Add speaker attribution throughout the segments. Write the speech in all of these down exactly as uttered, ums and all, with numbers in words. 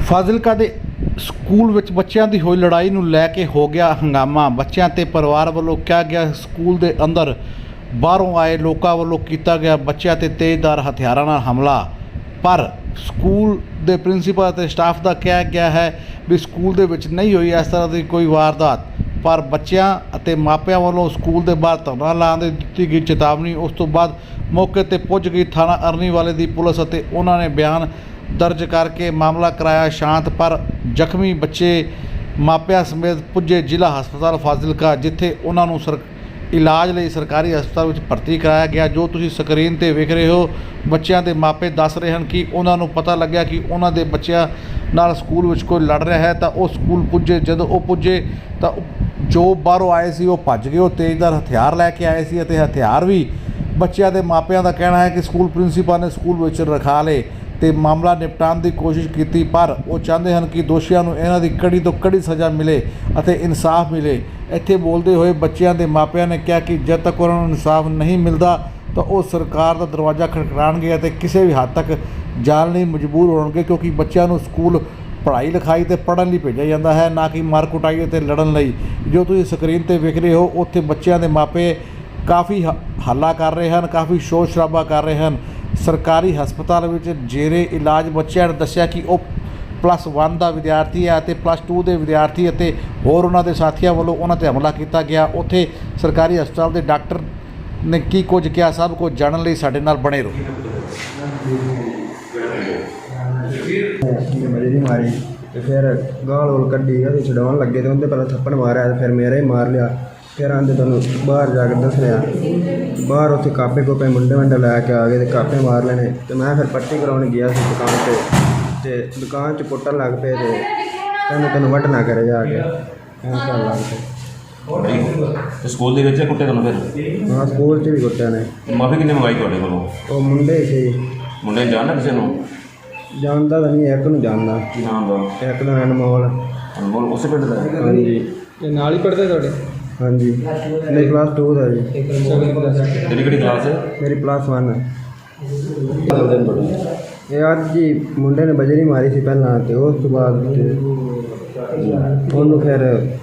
Speaker 1: ਫਾਜ਼ਿਲਕਾ ਦੇ ਸਕੂਲ ਵਿੱਚ ਬੱਚਿਆਂ ਦੀ ਹੋਈ ਲੜਾਈ ਨੂੰ ਲੈ ਕੇ ਹੋ ਗਿਆ ਹੰਗਾਮਾ। ਬੱਚਿਆਂ ਤੇ ਪਰਿਵਾਰ ਵੱਲੋਂ ਕਿਹਾ ਗਿਆ ਸਕੂਲ ਦੇ ਅੰਦਰ ਬਾਹਰੋਂ ਆਏ ਲੋਕਾਂ ਵੱਲੋਂ ਕੀਤਾ ਗਿਆ ਬੱਚਿਆਂ ਤੇ ਤੇਜ਼ਧਾਰ ਹਥਿਆਰਾਂ ਨਾਲ ਹਮਲਾ। ਪਰ ਸਕੂਲ ਦੇ ਪ੍ਰਿੰਸੀਪਲ ਅਤੇ ਸਟਾਫ ਦਾ ਕਿਹਾ ਗਿਆ ਹੈ ਵੀ ਸਕੂਲ ਦੇ ਵਿੱਚ ਨਹੀਂ ਹੋਈ ਇਸ ਤਰ੍ਹਾਂ ਦੀ ਕੋਈ ਵਾਰਦਾਤ। ਪਰ ਬੱਚਿਆਂ ਅਤੇ ਮਾਪਿਆਂ ਵੱਲੋਂ ਸਕੂਲ ਦੇ ਬਾਹਰ ਧਰਨਾ ਲਾਉਣ ਦੀ ਦਿੱਤੀ ਗਈ ਚੇਤਾਵਨੀ। ਉਸ ਤੋਂ ਬਾਅਦ ਮੌਕੇ ਤੇ ਪੁੱਜ ਗਈ ਥਾਣਾ ਅਰਨੀ ਵਾਲੇ ਦੀ ਪੁਲਿਸ ਅਤੇ ਉਹਨਾਂ ਨੇ ਬਿਆਨ ਦਰਜ ਕਰਕੇ ਮਾਮਲਾ ਕਰਾਇਆ ਸ਼ਾਂਤ। ਪਰ ਜ਼ਖਮੀ ਬੱਚੇ ਮਾਪਿਆਂ ਸਮੇਤ ਪੁੱਜੇ ਜ਼ਿਲ੍ਹਾ ਹਸਪਤਾਲ ਫਾਜ਼ਿਲਕਾ, ਜਿੱਥੇ ਉਹਨਾਂ ਨੂੰ ਸਰ ਇਲਾਜ ਲਈ ਸਰਕਾਰੀ ਹਸਪਤਾਲ ਵਿੱਚ ਭਰਤੀ ਕਰਾਇਆ ਗਿਆ। ਜੋ ਤੁਸੀਂ ਸਕਰੀਨ ਤੇ ਵੇਖ ਰਹੇ ਹੋ, ਬੱਚਿਆਂ ਦੇ ਮਾਪੇ ਦੱਸ ਰਹੇ ਹਨ ਕਿ ਉਹਨਾਂ ਨੂੰ ਪਤਾ ਲੱਗਿਆ ਕਿ ਉਹਨਾਂ ਦੇ ਬੱਚਿਆਂ ਨਾਲ ਸਕੂਲ ਵਿੱਚ ਕੋਈ ਲੜ ਰਿਹਾ ਹੈ ਤਾਂ ਉਹ ਸਕੂਲ ਪੁੱਜੇ। ਜਦੋਂ ਉਹ ਪੁੱਜੇ ਤਾਂ ਜੋ ਬਾਹਰੋਂ ਆਏ ਸੀ ਉਹ ਭੱਜ ਗਏ। ਉਹ ਤੇਜ਼ਧਾਰ ਹਥਿਆਰ ਲੈ ਕੇ ਆਏ ਸੀ ਅਤੇ ਹਥਿਆਰ ਵੀ ਬੱਚਿਆਂ ਦੇ ਮਾਪਿਆਂ ਦਾ ਕਹਿਣਾ ਹੈ ਕਿ ਸਕੂਲ ਪ੍ਰਿੰਸੀਪਲ ਨੇ ਸਕੂਲ ਵਿੱਚ ਰਖਾ ਲਏ ਤੇ ਮਾਮਲਾ ਨਿਪਟਾਉਣ ਦੀ ਕੋਸ਼ਿਸ਼ ਕੀਤੀ। ਪਰ ਉਹ ਚਾਹੁੰਦੇ ਹਨ ਕਿ ਦੋਸ਼ੀਆਂ ਨੂੰ ਇਹਨਾਂ ਦੀ ਕੜੀ ਤੋਂ ਕੜੀ ਸਜ਼ਾ ਮਿਲੇ ਅਤੇ ਇਨਸਾਫ ਮਿਲੇ। ਇੱਥੇ ਬੋਲਦੇ ਹੋਏ ਬੱਚਿਆਂ ਦੇ ਮਾਪਿਆਂ ਨੇ ਕਿਹਾ ਕਿ ਜਦ ਤੱਕ ਉਹਨਾਂ ਨੂੰ ਇਨਸਾਫ ਨਹੀਂ ਮਿਲਦਾ ਤਾਂ ਉਹ ਸਰਕਾਰ ਦਾ ਦਰਵਾਜ਼ਾ ਖੜਕਾਉਣਗੇ ਅਤੇ ਕਿਸੇ ਵੀ ਹੱਦ ਤੱਕ ਜਾਣ ਲਈ ਮਜਬੂਰ ਹੋਣਗੇ, ਕਿਉਂਕਿ ਬੱਚਿਆਂ ਨੂੰ ਸਕੂਲ ਪੜ੍ਹਾਈ ਲਿਖਾਈ ਅਤੇ ਪੜ੍ਹਨ ਲਈ ਭੇਜਿਆ ਜਾਂਦਾ ਹੈ, ਨਾ ਕਿ ਮਾਰ ਕੁਟਾਈ ਅਤੇ ਲੜਨ ਲਈ। ਜੋ ਤੁਸੀਂ ਸਕਰੀਨ 'ਤੇ ਵੇਖ ਰਹੇ ਹੋ, ਉੱਥੇ ਬੱਚਿਆਂ ਦੇ ਮਾਪੇ ਕਾਫੀ ਹੱਲਾ ਕਰ ਰਹੇ ਹਨ, ਕਾਫੀ ਸ਼ੋਰ ਸ਼ਰਾਬਾ ਕਰ ਰਹੇ ਹਨ। ਸਰਕਾਰੀ ਹਸਪਤਾਲ ਵਿੱਚ ਜੇਰੇ ਇਲਾਜ ਬੱਚਿਆਂ ਨੇ ਦੱਸਿਆ ਕਿ ਉਹ ਪਲੱਸ ਵਨ ਦਾ ਵਿਦਿਆਰਥੀ ਹੈ ਅਤੇ ਪਲੱਸ ਟੂ ਦੇ ਵਿਦਿਆਰਥੀ ਅਤੇ ਹੋਰ ਉਹਨਾਂ ਦੇ ਸਾਥੀਆਂ ਵੱਲੋਂ ਉਹਨਾਂ 'ਤੇ ਹਮਲਾ ਕੀਤਾ ਗਿਆ। ਉੱਥੇ ਸਰਕਾਰੀ ਹਸਪਤਾਲ ਦੇ ਡਾਕਟਰ ਨੇ ਕੀ ਕੁਝ ਕਿਹਾ, ਸਭ ਕੁਝ ਜਾਣਨ ਲਈ ਸਾਡੇ ਨਾਲ ਬਣੇ ਰਹੋ।
Speaker 2: ਮਜੇ ਮਾਰੀ ਤੇ ਫਿਰ ਗਾਲ ਗੋਲ ਕੱਢੀ ਉਹਦੇ ਛਡਾਉਣ ਲੱਗੇ ਤੇ ਉਹਦੇ ਪਹਿਲਾਂ ਥੱਪੜ ਮਾਰਿਆ ਤੇ ਫਿਰ ਮੇਰੇ ਹੀ ਮਾਰ ਲਿਆ। ਫਿਰ ਆਂਦੇ ਤੁਹਾਨੂੰ ਬਾਹਰ ਜਾ ਕੇ ਦੱਸ ਰਿਹਾ, ਬਾਹਰ ਉੱਥੇ ਕਾਪੇ ਕੋਪੇ ਮੁੰਡੇ ਮੁੰਡੇ ਲੈ ਕੇ ਆ ਗਏ ਤੇ ਕਾਪੇ ਮਾਰ ਲੈਣੇ। ਤੇ ਮੈਂ ਫਿਰ ਪੱਟੀ ਕਰਾਉਣ ਗਿਆ ਸੀ ਦੁਕਾਨ 'ਤੇ ਤੇ ਦੁਕਾਨ 'ਚ ਕੁੱਟਣ ਲੱਗ ਪਏ ਤੇ ਕਹਿੰਦੇ ਤੈਨੂੰ ਵੱਢ ਨਾ ਕਰੇ ਜਾ ਕੇ ਐਂ ਕਰਨ ਲੱਗ ਪਏ।
Speaker 3: ਤੇ ਸਕੂਲ ਦੇ ਵਿੱਚ ਕੁੱਟੇ ਤੁਹਾਨੂੰ ਫਿਰ?
Speaker 2: ਹਾਂ, ਸਕੂਲ 'ਚ ਵੀ ਕੁੱਟਿਆ ਨੇ।
Speaker 3: ਮਾਫੀ ਕਿੰਨੇ ਮੰਗਾਈ ਤੁਹਾਡੇ ਕੋਲੋਂ?
Speaker 2: ਉਹ ਮੁੰਡੇ ਸੀ।
Speaker 3: ਮੁੰਡੇ ਜਾਣਦਾ ਕਿਸੇ ਨੂੰ?
Speaker 2: ਜਾਣਦਾ ਤਾਂ ਨਹੀਂ, ਇੱਕ ਨੂੰ ਜਾਣਦਾ।
Speaker 3: ਕੀ ਨਾਮ ਦਾ?
Speaker 2: ਇੱਕ ਦਾ ਅਨਮੋਲ।
Speaker 3: ਅਨਮੋਲ ਉਸੇ ਪਿੰਡ ਦਾ?
Speaker 2: ਹਾਂਜੀ।
Speaker 4: ਇਹ ਨਾਲ ਹੀ ਪੜ੍ਹਦੇ ਤੁਹਾਡੇ?
Speaker 2: ਹਾਂਜੀ, ਮੇਰੀ ਕਲਾਸ ਟੂ ਦਾ ਜੀ।
Speaker 3: ਤੇਰੀ ਕਿਹੜੀ ਕਲਾਸ ਹੈ?
Speaker 2: ਮੇਰੀ ਪਲੱਸ ਵਨ ਹੈ। ਇਹ ਅੱਜ ਹੀ ਮੁੰਡੇ ਨੇ ਬਜਰੀ ਮਾਰੀ ਸੀ ਪਹਿਲਾਂ ਤੇ ਉਸ ਤੋਂ ਬਾਅਦ ਉਹਨੂੰ ਫਿਰ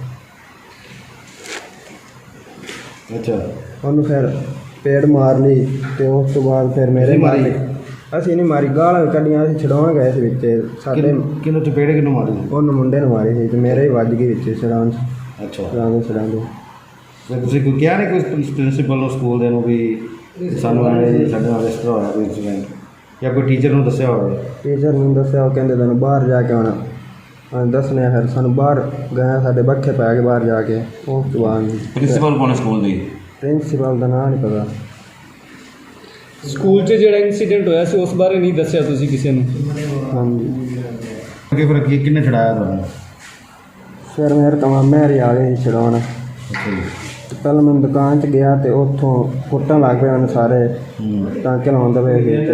Speaker 2: ਅੱਛਾ ਉਹਨੂੰ ਫਿਰ ਪੇੜ ਮਾਰ ਲਈ ਤੇ ਉਸ ਤੋਂ ਬਾਅਦ ਫਿਰ ਮੇਰੇ ਮਾਰ ਲਈ। ਅਸੀਂ ਨਹੀਂ ਮਾਰੀ, ਗਾਲਾਂ ਕੱਢੀਆਂ, ਅਸੀਂ ਛਡਾਉਣ ਗਏ ਸੀ ਵਿੱਚ। ਸਾਡੇ
Speaker 3: ਕਿਹਨੂੰ ਚਪੇੜ ਕਿਹਨੂੰ ਮਾਰੀ?
Speaker 2: ਉਹਨੂੰ ਮੁੰਡੇ ਨੂੰ ਮਾਰੀ ਸੀ ਤੇ ਮੇਰੇ ਹੀ ਵੱਜ ਗਈ ਵਿੱਚ ਛਡਾਉਣ।
Speaker 3: ਅੱਛਾ,
Speaker 2: ਛਡਾਉਂਦੇ ਛਡਾਉਂਦੇ
Speaker 3: ਤੇ ਤੁਸੀਂ ਕੋਈ ਕਿਹਾ ਨਹੀਂ ਕੋਈ ਪ੍ਰਿੰਸੀਪਲ ਨੂੰ ਸਕੂਲ ਦੇ ਨੂੰ ਵੀ ਸਾਨੂੰ ਐਵੇਂ ਸਾਡੇ ਨਾਲ ਇਸ ਤਰ੍ਹਾਂ ਹੋਇਆ ਕੋਈ ਇੰਸੀਡੈਂਟ, ਜਾਂ ਕੋਈ ਟੀਚਰ ਨੂੰ ਦੱਸਿਆ ਹੋਵੇ?
Speaker 2: ਟੀਚਰ ਨੂੰ ਦੱਸਿਆ, ਉਹ ਕਹਿੰਦੇ ਤੈਨੂੰ ਬਾਹਰ ਜਾ ਕੇ ਆਉਣਾ। ਦੱਸਣੇ ਫਿਰ ਸਾਨੂੰ ਬਾਹਰ ਗਏ, ਸਾਡੇ ਬੱਖੇ ਪੈ ਕੇ ਬਾਹਰ ਜਾ ਕੇ। ਉਸ ਤੋਂ ਬਾਅਦ
Speaker 3: ਪ੍ਰਿੰਸੀਪਲ ਕੌਣ ਹੈ ਸਕੂਲ ਦੀ?
Speaker 2: ਪ੍ਰਿੰਸੀਪਲ ਦਾ ਨਾਂ ਨਹੀਂ ਪਤਾ।
Speaker 4: ਸਕੂਲ 'ਚ ਜਿਹੜਾ ਇੰਸੀਡੈਂਟ ਹੋਇਆ ਸੀ ਉਸ ਬਾਰੇ ਨਹੀਂ ਦੱਸਿਆ ਤੁਸੀਂ ਕਿਸੇ ਨੂੰ?
Speaker 2: ਹਾਂਜੀ।
Speaker 3: ਅੱਗੇ ਫਿਰ ਕੀ ਕਿੰਨੇ ਛਡਾਇਆ ਤੁਹਾਨੂੰ?
Speaker 2: ਫਿਰ ਮੇਰੇ ਤਾਂ ਮਾਮੇ ਹਰੀ ਆ ਗਏ ਸੀ ਛਡਾਉਣ।
Speaker 3: ਅੱਛਾ ਜੀ।
Speaker 2: ਤੇ ਪਹਿਲਾਂ ਮੈਂ ਦੁਕਾਨ 'ਚ ਗਿਆ ਤੇ ਉੱਥੋਂ ਕੁੱਟਣ ਲੱਗ ਪਏ ਉਹਨੇ ਸਾਰੇ, ਟਾਂਕੇ ਲਾਉਂਦੇ ਪਏ ਸੀ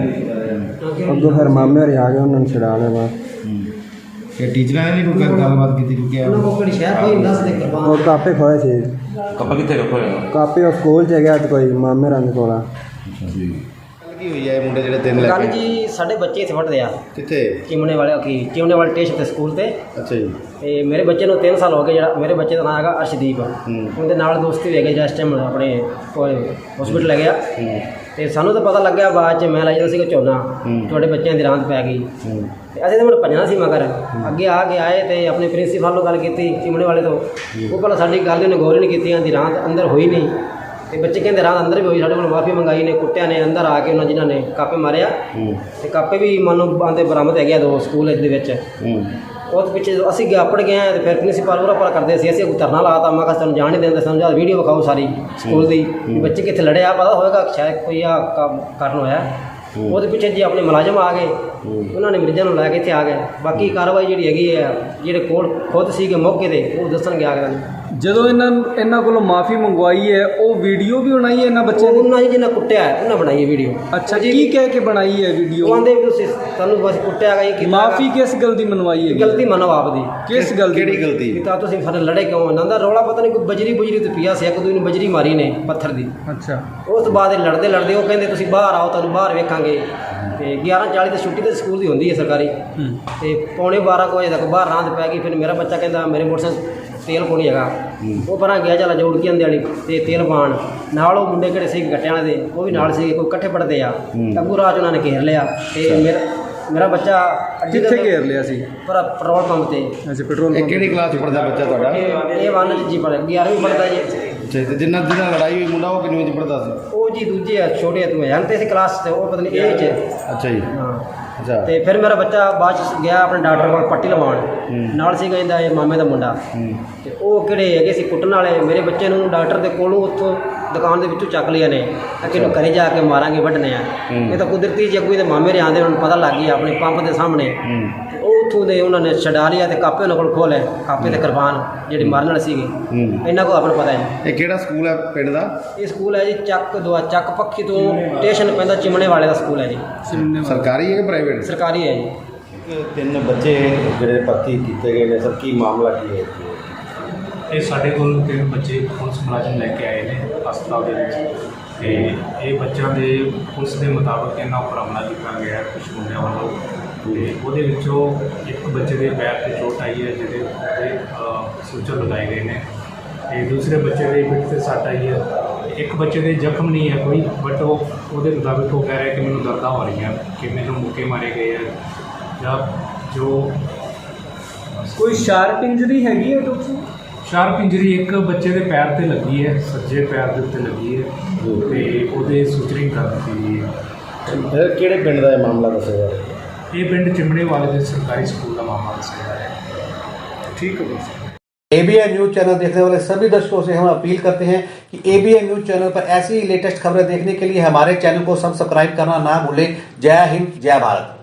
Speaker 2: ਤੇ ਅੱਗੋਂ ਫਿਰ ਮਾਮੇ ਹਰੀ ਆ ਗਏ, ਉਹਨਾਂ ਨੂੰ ਛਡਾ ਲਿਆ ਬਸ।
Speaker 3: ਇਹ ਟੀਚਰਾਂ ਨੇ ਨਹੀਂ ਕੋਈ ਗੱਲਬਾਤ ਕੀਤੀ ਕਿਉਂਕਿ
Speaker 2: ਉਹ ਕਾਪੇ ਖੋਏ ਸੀ।
Speaker 3: ਕੱਪਾ ਕਿੱਥੇ ਰੱਖੋ ਹੋਇਆ?
Speaker 2: ਕਾਪੇ ਉਹ ਸਕੂਲ 'ਚ ਗਿਆ ਤੇ ਕੋਈ ਮਾਮੇ ਰੰਗ ਕੋਲਾ।
Speaker 3: ਜੀ। ਕੀ ਹੋਈ ਹੈ ਮੁੰਡੇ ਜਿਹੜੇ ਤਿੰਨ
Speaker 5: ਗੱਲ ਜੀ, ਸਾਡੇ ਬੱਚੇ ਇੱਥੇ ਪੜ੍ਹਦੇ ਆ।
Speaker 3: ਕਿੱਥੇ?
Speaker 5: ਚਿਮਣੇ ਵਾਲੇ ਕੀ ਚਿਮਣੇ ਵਾਲੇ ਟੇਸ਼ਨ ਤੇ ਸਕੂਲ ਤੇ।
Speaker 3: ਅੱਛਾ ਜੀ।
Speaker 5: ਤੇ ਮੇਰੇ ਬੱਚੇ ਨੂੰ ਤਿੰਨ ਸਾਲ ਹੋ ਗਏ। ਜਿਹੜਾ ਮੇਰੇ ਬੱਚੇ ਦਾ ਨਾਮ ਹੈਗਾ ਅਰਸ਼ਦੀਪ। ਉਹਦੇ ਨਾਲ ਦੋਸਤੀ ਵੀ ਹੈਗੇ ਜਿਸ ਟਾਈਮ ਆਪਣੇ ਹਸਪੀਟਲ ਲੈ ਗਿਆ। ਤੇ ਸਾਨੂੰ ਤਾਂ ਪਤਾ ਲੱਗਿਆ ਬਾਅਦ 'ਚ, ਮੈਂ ਲਾਇਆ ਸੀਗਾ ਝੋਨਾ, ਤੁਹਾਡੇ ਬੱਚਿਆਂ ਦੀ ਰਾਂਦ ਪੈ ਗਈ। ਤੇ ਅਸੀਂ ਤਾਂ ਮੈਨੂੰ ਭੱਜਣਾ ਸੀ ਮਗਰ। ਅੱਗੇ ਆ ਕੇ ਆਏ ਤੇ ਆਪਣੇ ਪ੍ਰਿੰਸੀਪਲ ਨੂੰ ਗੱਲ ਕੀਤੀ ਚਿਮਣੇ ਵਾਲੇ ਤੋਂ। ਉਹ ਪਹਿਲਾਂ ਸਾਡੀ ਗੱਲ ਉਹਨੇ ਗੌਰ ਨਹੀਂ ਕੀਤੀ, ਆਂਦੀ ਰਾਂਦ ਅੰਦਰ ਹੋਈ ਨਹੀਂ। ਤੇ ਬੱਚੇ ਕਹਿੰਦੇ ਰਾਤ ਅੰਦਰ ਵੀ ਹੋਈ। ਸਾਡੇ ਕੋਲ ਮਾਫੀ ਮੰਗਾਈ ਨੇ, ਕੁੱਟਿਆ ਨੇ। ਅੰਦਰ ਆ ਕੇ ਉਹਨਾਂ ਜਿਨ੍ਹਾਂ ਨੇ ਕਾਪੇ ਮਾਰਿਆ ਤੇ ਕਾਪੇ ਵੀ ਮੰਨ ਲਓ ਆਂਦੇ ਬਰਾਮਦ ਹੈਗੇ ਆ ਦੋ ਸਕੂਲ ਦੇ ਵਿੱਚ। ਉਸ ਪਿੱਛੇ ਜਦੋਂ ਅਸੀਂ ਗਿਆ ਪੜ ਗਏ ਤੇ ਫਿਰ ਪ੍ਰਿੰਸੀਪਲ ਉਰਾ ਪਰ ਕਰਦੇ ਸੀ। ਅਸੀਂ ਕੋਈ ਧਰਨਾ ਲਾਤਾ। ਮੈਂ ਕਿਹਾ ਤੁਹਾਨੂੰ ਜਾਣ ਨਹੀਂ ਦਿੰਦੇ, ਸਾਨੂੰ ਜਦ ਵੀਡੀਓ ਵਿਖਾਓ ਸਾਰੀ ਸਕੂਲ ਦੀ, ਬੱਚੇ ਕਿੱਥੇ ਲੜਿਆ, ਪਤਾ ਹੋਏਗਾ ਸ਼ਾਇਦ ਕੋਈ ਆ ਕੰਮ ਕਾਰਨ ਹੋਇਆ। ਉਹਦੇ ਪਿੱਛੇ ਜੀ ਆਪਣੇ ਮੁਲਾਜ਼ਮ ਆ ਗਏ, ਉਹਨਾਂ ਨੇ ਮਰੀਜ਼ਾਂ ਨੂੰ ਲੈ ਕੇ ਇੱਥੇ ਆ ਗਏ। ਬਾਕੀ ਕਾਰਵਾਈ ਜਿਹੜੀ ਹੈਗੀ ਹੈ, ਜਿਹੜੇ ਕੋਲ ਖੁਦ ਸੀਗੇ ਮੌਕੇ 'ਤੇ, ਉਹ ਦੱਸਣਗੇ ਆ ਕੇ।
Speaker 4: ਜਦੋਂ ਇਹਨਾਂ ਇਹਨਾਂ ਕੋਲੋਂ ਮਾਫੀ ਮੰਗਵਾਈ ਹੈ ਉਹ ਵੀਡੀਓ ਵੀ ਬਣਾਈ ਹੈ ਇਹਨਾਂ ਬੱਚਿਆਂ ਨੇ?
Speaker 5: ਉਹਨਾਂ ਜੀ ਜਿਹਨਾਂ ਕੁੱਟਿਆ ਹੈ, ਉਹਨਾਂ ਬਣਾਈ ਹੈ ਵੀਡੀਓ।
Speaker 4: ਅੱਛਾ, ਕੀ ਕਹਿ ਕੇ ਬਣਾਈ ਹੈ
Speaker 5: ਉਹ
Speaker 4: ਵੀਡੀਓ?
Speaker 5: ਆਂਦੇ ਵੀ ਤੁਸੀਂ ਸਾਨੂੰ ਬਸ ਕੁੱਟਿਆ ਗਿਆ, ਇਹ ਕੀਤਾ
Speaker 4: ਮਾਫੀ ਕਿਸ ਗੱਲ ਦੀ ਮਨਵਾਈ ਹੈ?
Speaker 5: ਗਲਤੀ ਮੰਨੋ ਆਪਦੀ।
Speaker 4: ਕਿਸ ਗੱਲ ਦੀ?
Speaker 3: ਕਿਹੜੀ ਗਲਤੀ?
Speaker 5: ਵੀ ਤਾਂ ਤੁਸੀਂ ਸਾਡੇ ਲੜੇ ਕਿਉਂ? ਇਹਨਾਂ ਦਾ ਰੌਲਾ ਪਤਾ ਨਹੀਂ ਕੋਈ ਬਜਰੀ ਬੁਜਰੀ ਤੇ ਪਿਆ ਸੀ, ਇੱਕ ਦੂਜੇ ਨੂੰ ਬਜਰੀ ਮਾਰੀ ਨੇ ਪੱਥਰ ਦੀ।
Speaker 4: ਅੱਛਾ,
Speaker 5: ਉਸ ਤੋਂ ਬਾਅਦ ਇਹ ਲੜਦੇ ਲੜਦੇ ਉਹ ਕਹਿੰਦੇ ਤੁਸੀਂ ਬਾਹਰ ਆਓ, ਤੁਹਾਨੂੰ ਬਾਹਰ ਵੇਖਾਂਗੇ। ਤੇ ਗਿਆਰਾਂ ਚਾਲੀ ਤੇ ਛੁੱਟੀ ਤੇ ਸਕੂਲ ਦੀ ਹੁੰਦੀ ਹੈ ਸਰਕਾਰੀ, ਤੇ ਪੌਣੇ ਬਾਰਾਂ ਕੁ ਵਜੇ ਤੱਕ ਬਾਹਰ ਰਾਂਦ ਪੈ ਗਈ। ਫਿਰ ਮੇਰਾ ਬੱਚਾ ਕਹਿੰਦਾ ਮੇਰੇ ਮੋਟਰਸਾਈਕਲ ਤੇਲ ਕੋਲ ਨਹੀਂ ਹੈਗਾ, ਉਹ ਪਰਾਂ ਗਿਆ ਚੱਲ ਜੋੜ ਕੇ ਆਂਦੇ ਵਾਲੀ ਤੇ ਤੇਲ ਪਾਣ ਨਾਲ। ਉਹ ਮੁੰਡੇ ਕਿਹੜੇ ਸੀ ਗੱਟਿਆਂ ਵਾਲੇ ਦੇ, ਉਹ ਵੀ ਨਾਲ ਸੀ, ਕੋਈ ਇਕੱਠੇ ਪੜਦੇ ਆ। ਅੱਗੂ ਰਾਜ ਉਹਨਾਂ ਨੇ ਘੇਰ ਲਿਆ ਤੇ ਮੇਰਾ ਮੇਰਾ ਬੱਚਾ ਅੱਡੀ
Speaker 4: ਕਿੱਥੇ ਘੇਰ ਲਿਆ ਸੀ?
Speaker 5: ਪਰ ਪੈਟਰੋਲ ਪੰਪ ਤੇ।
Speaker 4: ਅੱਛਾ, ਪੈਟਰੋਲ
Speaker 3: ਇਹ
Speaker 4: ਪੰਪ।
Speaker 3: ਕਿਹੜੀ ਕਲਾਸ 'ਚ ਪੜ੍ਹਦਾ ਬੱਚਾ ਤੁਹਾਡਾ?
Speaker 5: ਇਹ ਇਹ ਵਨ ਜੀ ਪੜ੍ਹ ਗਿਆਰਵੀਂ ਪੜ੍ਹਦਾ ਜੀ।
Speaker 3: ਅੱਛਾ, ਤੇ ਜਿੰਨਾ ਜਿਹਨਾਂ ਲੜਾਈ ਹੋਈ ਮੁੰਡਾ ਉਹ ਕਿੰਨੀ 'ਚ ਪੜ੍ਹਦਾ ਸੀ?
Speaker 5: ਉਹ ਜੀ ਦੂਜੇ ਆ, ਛੋਟੇ ਆ, ਤੂੰ ਹੈ ਤੇ ਇਸ ਕਲਾਸ ਤੇ ਉਹ ਪਤਾ ਨਹੀਂ ਇਹ ਚ।
Speaker 3: ਅੱਛਾ ਜੀ।
Speaker 5: ਹਾਂ,
Speaker 3: ਅੱਛਾ।
Speaker 5: ਤੇ ਫਿਰ ਮੇਰਾ ਬੱਚਾ ਬਾਅਦ ਚ ਗਿਆ ਆਪਣੇ ਡਾਕਟਰ ਕੋਲ ਪੱਟੀ ਲਵਾਉਣ। ਨਾਲ ਸੀਗਾ ਇਹਦਾ ਇਹ ਮਾਮੇ ਦਾ ਮੁੰਡਾ, ਤੇ ਉਹ ਕਿਹੜੇ ਹੈਗੇ ਸੀ ਕੁੱਟਣ ਵਾਲੇ। ਮੇਰੇ ਬੱਚੇ ਨੂੰ ਡਾਕਟਰ ਦੇ ਕੋਲੋਂ ਉੱਥੋਂ ਦੁਕਾਨ ਦੇ ਵਿੱਚੋਂ ਚੱਕ ਲਿਆ ਨੇ, ਕਿ ਇਹਨੂੰ ਘਰੇ ਜਾ ਕੇ ਮਾਰਾਂਗੇ, ਵੱਢਣੇ ਆ। ਇਹ ਤਾਂ ਕੁਦਰਤੀ ਜੀ ਅੱਗੂ ਦੇ ਮਾਮੇ ਦੇ ਆਂਦੇ, ਉਹਨਾਂ ਨੂੰ ਪਤਾ ਲੱਗ ਗਿਆ ਆਪਣੇ ਪੰਪ ਦੇ ਸਾਹਮਣੇ। ਤੇ ਉਹ ਉੱਥੋਂ ਦੇ ਉਹਨਾਂ ਨੇ ਛਡਾ ਲਿਆ ਤੇ ਕਾਪੇ ਉਹਨਾਂ ਕੋਲ ਖੋਲੇ, ਕਾਪੇ ਤੇ ਕਿਰਪਾਨ ਜਿਹੜੀ ਮਾਰਨ ਵਾਲੀ ਸੀਗੀ। ਇਹਨਾਂ ਕੋਲ ਆਪਾਂ ਨੂੰ ਪਤਾ ਹੈ।
Speaker 3: ਇਹ ਕਿਹੜਾ ਸਕੂਲ ਹੈ ਪਿੰਡ ਦਾ?
Speaker 5: ਇਹ ਸਕੂਲ ਹੈ ਜੀ ਚੱਕ ਦੁਆ ਚੱਕ ਪੱਖੀ ਤੋਂ ਸਟੇਸ਼ਨ ਪੈਂਦਾ, ਚਿਮਣੇ ਵਾਲੇ ਦਾ ਸਕੂਲ ਹੈ ਜੀ।
Speaker 3: ਸਰਕਾਰੀ ਹੈ ਕਿ ਪ੍ਰਾਈਵੇਟ?
Speaker 5: ਸਰਕਾਰੀ ਹੈ ਜੀ।
Speaker 3: ਤਿੰਨ ਬੱਚੇ ਜਿਹੜੇ ਭਰਤੀ ਕੀਤੇ ਗਏ ਨੇ ਸਰ, ਕੀ ਮਾਮਲਾ ਕੀ ਹੈ?
Speaker 6: ਇਹ ਸਾਡੇ ਕੋਲ ਤਿੰਨ ਬੱਚੇ ਪੁਲਿਸ ਮੁਲਾਜ਼ਮ ਲੈ ਕੇ ਆਏ ਨੇ ਹਸਪਤਾਲ ਦੇ ਵਿੱਚ, ਤੇ ਇਹ ਬੱਚਿਆਂ ਦੇ ਪੁਲਿਸ ਦੇ ਮੁਤਾਬਕ ਇਹਨਾਂ ਉੱਪਰ ਹਮਲਾ ਕੀਤਾ ਗਿਆ ਕੁਝ ਮੁੰਡਿਆਂ ਵੱਲੋਂ। ਤੇ ਉਹਦੇ ਵਿੱਚੋਂ ਇੱਕ ਬੱਚੇ ਦੇ ਪੈਰ 'ਤੇ ਚੋਟ ਆਈ ਹੈ, ਜਿਹਦੇ ਉਹਦੇ ਸੂਚਰ ਲਗਾਏ ਗਏ ਨੇ, ਤੇ ਦੂਸਰੇ ਬੱਚੇ ਦੇ ਪਿੱਠ 'ਤੇ ਸੱਟ ਆਈ ਹੈ। ਇੱਕ ਬੱਚੇ ਦੇ ਜ਼ਖਮ ਨਹੀਂ ਹੈ ਕੋਈ, ਬਟ ਉਹ ਉਹਦੇ ਮੁਤਾਬਕ ਉਹ ਕਹਿ ਰਿਹਾ ਕਿ ਮੈਨੂੰ ਦਰਦਾਂ ਹੋ ਰਹੀਆਂ, ਕਿ ਮੈਨੂੰ ਮੁੱਕੇ ਮਾਰੇ ਗਏ ਹੈ ਜਾਂ ਜੋ
Speaker 4: ਕੋਈ ਸ਼ਾਰਪ ਇੰਜਰੀ ਹੈਗੀ ਹੈ ਡਾਕਟਰ?
Speaker 6: ਸ਼ਾਰਪ ਇੰਜਰੀ ਇੱਕ ਬੱਚੇ ਦੇ ਪੈਰ ਤੇ ਲੱਗੀ ਹੈ, ਸੱਜੇ ਪੈਰ ਦੇ ਉੱਤੇ ਲੱਗੀ ਹੈ, ਤੇ ਉਹਦੇ ਸੂਚਰਿੰਗ ਕਰ ਦਿੱਤੀ ਗਈ ਹੈ।
Speaker 3: ਇਹ ਕਿਹੜੇ ਪਿੰਡ ਦਾ ਇਹ ਮਾਮਲਾ ਦੱਸਿਆ ਜਾ ਰਿਹਾ?
Speaker 6: ਇਹ ਪਿੰਡ चिमड़े वाले ਦੇ ਸਰਕਾਰੀ ਸਕੂਲ ਦਾ ਮਾਮਲਾ ਦੱਸਿਆ ਜਾ ਰਿਹਾ ਹੈ।
Speaker 3: ਠੀਕ ਹੈ ਬਸ।
Speaker 1: एबीएन न्यूज चैनल देखने वाले सभी दर्शकों से हम अपील करते हैं कि एबीएन न्यूज चैनल पर ऐसी ही लेटेस्ट खबरें देखने के लिए हमारे चैनल को सब्सक्राइब करना ना भूलें। जय हिंद, जय भारत।